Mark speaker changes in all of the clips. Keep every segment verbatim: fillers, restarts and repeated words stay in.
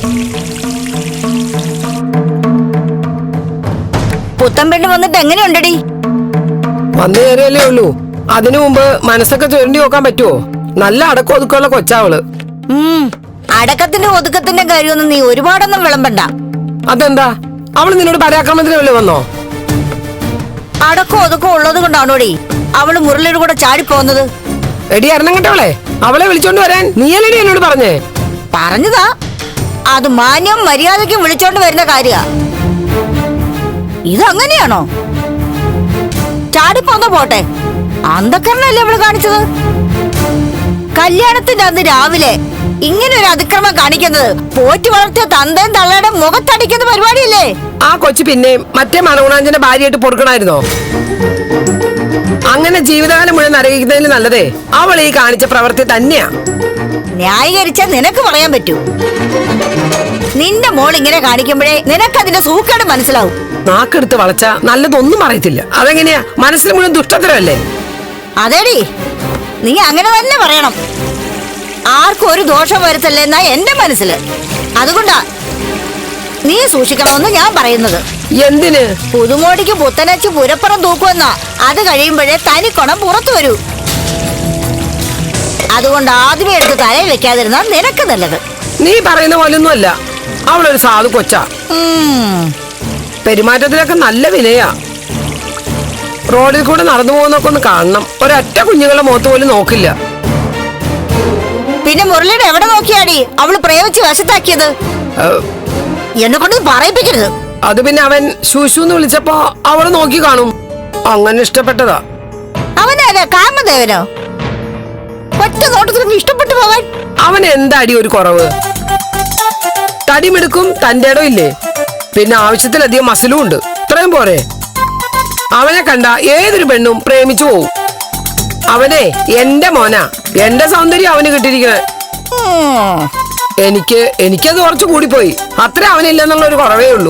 Speaker 1: പുത്തൻ പെണ്ണ് വന്നിട്ട് എങ്ങനെയുണ്ടടി?
Speaker 2: വന്നു കയറിയല്ലേ ഉള്ളൂ. അതിനു മുമ്പ് മനസ്സൊക്കെ ചുരണ്ടി നോക്കാൻ പറ്റുമോ? നല്ല അടക്കം ഒതുക്കമുള്ള കൊച്ചാവള്.
Speaker 1: ഉം അടക്കത്തിന്റെ ഒതുക്കത്തിന്റെ കാര്യമൊന്നും നീ ഒരുപാടൊന്നും വിളമ്പണ്ട.
Speaker 2: അതെന്താ? അവള് നിന്നോട് പരാക്രമത്തിന് വല്ലതും വന്നോ?
Speaker 1: അടക്കം ഒതുക്കം ഉള്ളത് കൊണ്ടാണോടി അവള് മുരളിയുടെ കൂടെ ചാടിപ്പോന്നത്?
Speaker 2: എടി അരണം കേട്ടവളെ, അവളെ വിളിച്ചോണ്ട് വരാൻ നീയല്ലേടി എന്നോട് പറഞ്ഞേ?
Speaker 1: പറഞ്ഞതാ, അത് മാന്യം മര്യാദയ്ക്കും വിളിച്ചോണ്ട് വരുന്ന കാര്യ. ഇതങ്ങനെയാണോ? ചാടിപ്പോന്ന പോട്ടെ, അന്ധക്കരണല്ലേ അവള് കാണിച്ചത്? കല്യാണത്തിന്റെ അന്ന് രാവിലെ ഇങ്ങനെ ഒരു അതിക്രമം കാണിക്കുന്നത് പോറ്റി വളർത്തിയ തന്തയും തള്ളയുടെ മുഖത്തടിക്കുന്ന പരിപാടിയല്ലേ?
Speaker 2: ആ കൊച്ചു പിന്നെയും മറ്റേ മണകുണാഞ്ചന്റെ ഭാര്യയായിട്ട് പൊറുക്കണായിരുന്നോ? അങ്ങനെ ജീവിതകാലം മുഴുവൻ നരകിക്കുന്നതിന് നല്ലതേ അവൾ ഈ കാണിച്ച പ്രവൃത്തി തന്നെയാ.
Speaker 1: ന്യായീകരിച്ചാൽ നിനക്ക് പറയാൻ പറ്റൂ. നിന്റെ മോൾ ഇങ്ങനെ കാണിക്കുമ്പോഴേ നിനക്കതിന്റെ സൂക്കേട് മനസ്സിലാവും.
Speaker 2: നാക്കെടുത്ത് വളച്ച നല്ലതൊന്നും പറയത്തില്ല. അതെങ്ങനെയാ? മനസ്സിൽ മുഴുവൻ ദുഷ്ടത്തരമല്ലേ?
Speaker 1: അതേടി, നീ അങ്ങനെ തന്നെ പറയണം. ആർക്കും ഒരു ദോഷം വരുത്തല്ലേ എന്നാ എന്റെ മനസ്സില്. അതുകൊണ്ടാ നീ സൂക്ഷിക്കണമെന്ന് ഞാൻ പറയുന്നത്.
Speaker 2: എന്തിന്?
Speaker 1: പുതുമോടിക്ക് പുത്തനച്ച് പുരപ്പുറം തൂക്കുമെന്നാ. അത് കഴിയുമ്പോഴേ തനിക്കൊണം പുറത്തു വരൂ. അതുകൊണ്ട് ആദ്യമേ എടുത്ത് തലയിൽ വെക്കാതിരുന്നാ നിനക്ക് നല്ലത്.
Speaker 2: നീ പറയുന്ന പോലൊന്നുമല്ല. അവളൊരു സാധു കൊച്ചാ. പെരുമാറ്റത്തിലൊക്കെ നല്ല വിനയാ. റോഡിൽ കൂടെ നടന്നു പോകുന്നൊക്കെ ഒന്ന് കാണണം. ഒരൊറ്റ കുഞ്ഞുങ്ങളുടെ മുഖത്ത് പോലും നോക്കില്ല.
Speaker 1: പിന്നെ മുരളിയുടെ എവിടെ നോക്കിയാടി അവള് പ്രയോഗിച്ച് വശത്താക്കിയത്? എന്നെ കൊണ്ട് പറയിപ്പിക്കരുത്.
Speaker 2: അത് പിന്നെ അവൻ ശൂശുന്ന് വിളിച്ചപ്പോ അവള് നോക്കി കാണും. അങ്ങനെ ഇഷ്ടപ്പെട്ടതാ.
Speaker 1: അവനാരാ? കാമദേവനോ? ഒറ്റ നോട്ടത്തിൽ ഇഷ്ടപ്പെട്ടു പോകാൻ
Speaker 2: അവൻ എന്താടി ഒരു കുറവ്? തടിമെടുക്കും, തന്റെ ഇടം ഇല്ലേ, പിന്നെ ആവശ്യത്തിലധികം മസിലും ഉണ്ട്. ഇത്രയും പോരെ? അവനെ കണ്ട ഏതൊരു പെണ്ണും പ്രേമിച്ചു പോവും. അവനെ എന്റെ മോനാ. എന്റെ സൗന്ദര്യം അവന് കിട്ടിയിരിക്കണേ. എനിക്ക് എനിക്കത് കുറച്ച് കൂടിപ്പോയി. അത്ര അവനില്ലെന്നുള്ള ഒരു കുറവേ ഉള്ളൂ.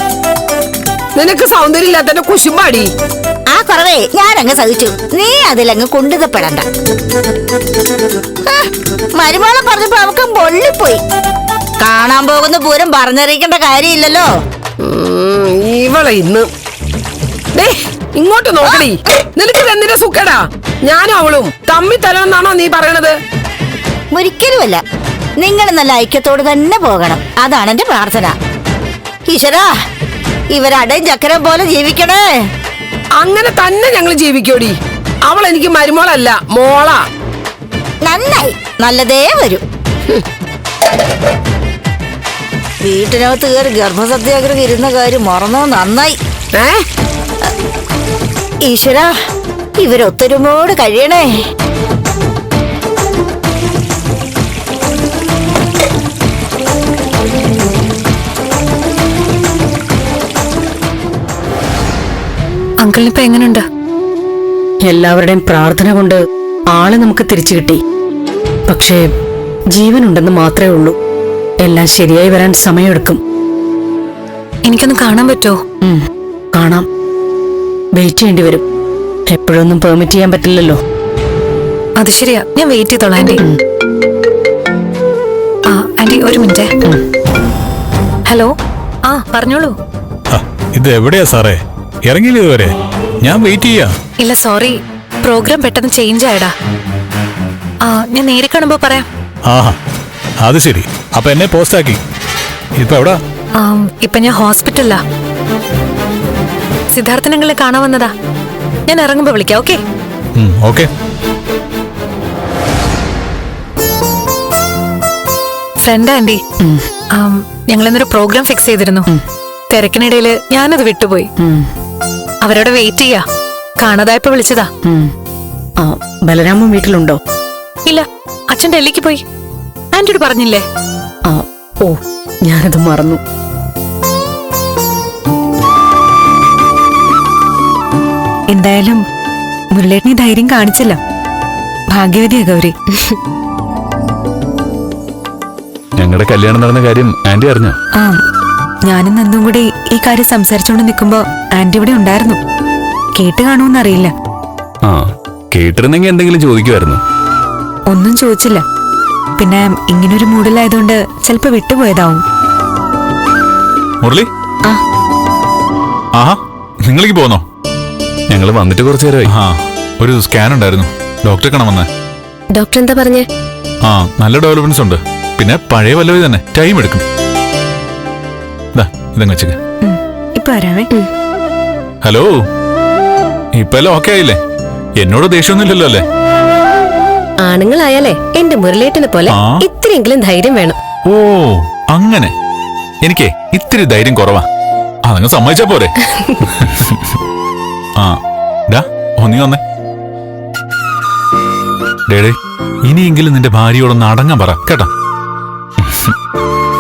Speaker 2: നിനക്ക് സൗന്ദര്യം ഇല്ലാത്തന്റെ കുശുമ്പാടി.
Speaker 1: ആ കുറവേ ഞാൻ അങ്ങ് സഹിച്ചു. നീ അതിലങ്ങ് കൊണ്ടുതപ്പെടണ്ട. മരുമോളെ പറഞ്ഞപ്പോ അവക്ക് പൊള്ളിപ്പോയി. കാണാൻ പോകുന്ന പൂരം പറഞ്ഞറിയിക്കേണ്ട കാര്യമില്ലല്ലോ.
Speaker 2: ഇവളെ ഇന്ന് ഇങ്ങോട്ട് നോക്കടി. നിനക്ക് എന്തിന്റെ സുഖടാ? ഞാനും അവളും തമ്മി തലമെന്നാണോ നീ പറയണത്?
Speaker 1: ഒരിക്കലുമല്ല. നിങ്ങൾ നല്ല ഐക്യത്തോട് തന്നെ പോകണം. അതാണ് എന്റെ പ്രാർത്ഥന. ഈശ്വരാ, ഇവരടയും ചക്കരം പോലെ ജീവിക്കണേ.
Speaker 2: അങ്ങനെ തന്നെ ഞങ്ങൾ ജീവിക്കോടി. അവൾ എനിക്ക് മരുമോളല്ല, മോളാ.
Speaker 1: നന്നായി, നല്ലതേ വരും. വീട്ടിനകത്ത് കയറി ഗർഭസത്യാഗ്രഹം ഇരുന്ന കാര്യം മറന്നോ? നന്നായി.
Speaker 2: ഏ
Speaker 1: ഈശ്വരാ, ഇവരൊത്തൊരുമോട് കഴിയണേ.
Speaker 3: അങ്കിളിനിപ്പോ എങ്ങനെയുണ്ട്?
Speaker 4: എല്ലാവരുടെയും പ്രാർത്ഥന കൊണ്ട് ആളെ നമുക്ക് തിരിച്ചു കിട്ടി. പക്ഷേ ജീവനുണ്ടെന്ന് മാത്രമേ ഉള്ളൂ. എല്ലാം ശരിയായി വരാൻ സമയമെടുക്കും.
Speaker 3: എനിക്കൊന്ന് കാണാൻ പറ്റുമോ?
Speaker 4: കാണാം. വെയിറ്റ് ചെയ്യേണ്ടി വരും. എപ്പോഴൊന്നും പെർമിറ്റ് ചെയ്യാൻ പറ്റില്ലല്ലോ.
Speaker 3: അത് ശരിയാ, ഞാൻ വെയിറ്റ് ചെയ്തോളാം ആന്റി. ആ ആന്റി ഒരു മിനിറ്റ്. ഹലോ, ആ പറഞ്ഞോളൂ.
Speaker 5: ഇത് എവിടെയാ സാറേ? ഇറങ്ങിയില്ല ഇതുവരെ? ഞാൻ വെയിറ്റ് ചെയ്യാ.
Speaker 3: ഇല്ല സോറി, പ്രോഗ്രാം പെട്ടെന്ന് ചേഞ്ച് ആയടാ. ആ ഞാൻ നേരെ കാണുമ്പോ പറയാം.
Speaker 5: ആഹാ, അത് ശരി. അപ്പൊ എന്നെ പോസ്റ്റ് ആക്കി. ഇപ്പൊ എവിടാ?
Speaker 3: ഇപ്പൊ ഞാൻ ഹോസ്പിറ്റലിലാ. സിദ്ധാർത്ഥനങ്ങളെ കാണാൻ വന്നതാ. ഞാൻ ഇറങ്ങുമ്പോ വിളിക്കാം. Okay
Speaker 5: okay.
Speaker 3: ഫ്രണ്ട് ആന്റി, ഞങ്ങൾ ഇന്നൊരു പ്രോഗ്രാം ഫിക്സ് ചെയ്തിരുന്നു. തിരക്കിനിടയില് ഞാനത് വിട്ടുപോയി. അവരോട് വെയിറ്റ് ചെയ്യാ. കാണാതായപ്പോ വിളിച്ചതാ.
Speaker 4: ബലരാമൻ വീട്ടിലുണ്ടോ?
Speaker 3: ഇല്ല, അച്ഛൻ ഡൽഹിക്ക് പോയി. ആന്റിയോട് പറഞ്ഞില്ലേ?
Speaker 4: ഓ, ഞാനത് മറന്നു.
Speaker 3: എന്തായാലും മുരളേട്ടന് ധൈര്യം കാണിച്ചില്ല. ഭാഗ്യവതിയാ ഗൗരി.
Speaker 5: ഞങ്ങളുടെ കല്യാണം നടന്ന കാര്യം ആന്റി അറിഞ്ഞോ?
Speaker 3: ആ, ഞാനും നന്ദും കൂടി ഈ കാര്യം സംസാരിച്ചോണ്ട് നിൽക്കുമ്പോ ആന്റി ഇവിടെ ഉണ്ടായിരുന്നു. കേട്ട് കാണുമെന്നറിയില്ല.
Speaker 5: ആ, കേട്ടിരുന്നെങ്കിൽ എന്തെങ്കിലും ചോദിക്കുമായിരുന്നു.
Speaker 3: ഒന്നും ചോദിച്ചില്ല. പിന്നെ ഇങ്ങനൊരു മൂഡിലായതുകൊണ്ട് ചിലപ്പോ വിട്ടുപോയതാവും.
Speaker 5: മുരളി ആഹാ നിങ്ങളേക്ക് പോന്നോ?
Speaker 6: ഞങ്ങൾ വന്നിട്ട് കുറച്ചു നേരമായി.
Speaker 5: ആ ഒരു സ്കാൻ ഉണ്ടായിരുന്നു, ഡോക്ടറെ കാണാമെന്ന്.
Speaker 7: ഡോക്ടർ എന്താ പറഞ്ഞേ?
Speaker 5: ആ നല്ല ഡെവലപ്മെന്റ്സ് ഉണ്ട്. പിന്നെ പഴയ വല്ലവി തന്നെ ടൈം എടുക്കും. ഇതങ്ങ് വെച്ചേക്ക്.
Speaker 3: ഇപ്പൊ വരാമേ.
Speaker 5: ഹലോ, ഇപ്പൊ എല്ലാം ഓക്കെ ആയില്ലേ? എന്നോട് ദേഷ്യമൊന്നുമില്ലല്ലോ അല്ലേ?
Speaker 7: ആണുങ്ങളായാലേ എന്റെ മുരളേട്ടനെ പോലെ
Speaker 5: ആ.
Speaker 7: ഇത്രയെങ്കിലും ധൈര്യം വേണം.
Speaker 5: ഓ അങ്ങനെ. എനിക്കേ ഇത്തിരി ധൈര്യം കുറവാ, അതങ്ങ് സമ്മതിച്ചാ പോരെ. ആ ഡാ ഒന്നി വന്നേ. ഡേടേ ഇനിയെങ്കിലും നിന്റെ ഭാര്യയോടൊന്ന് അടങ്ങാൻ പറ കേട്ടാ.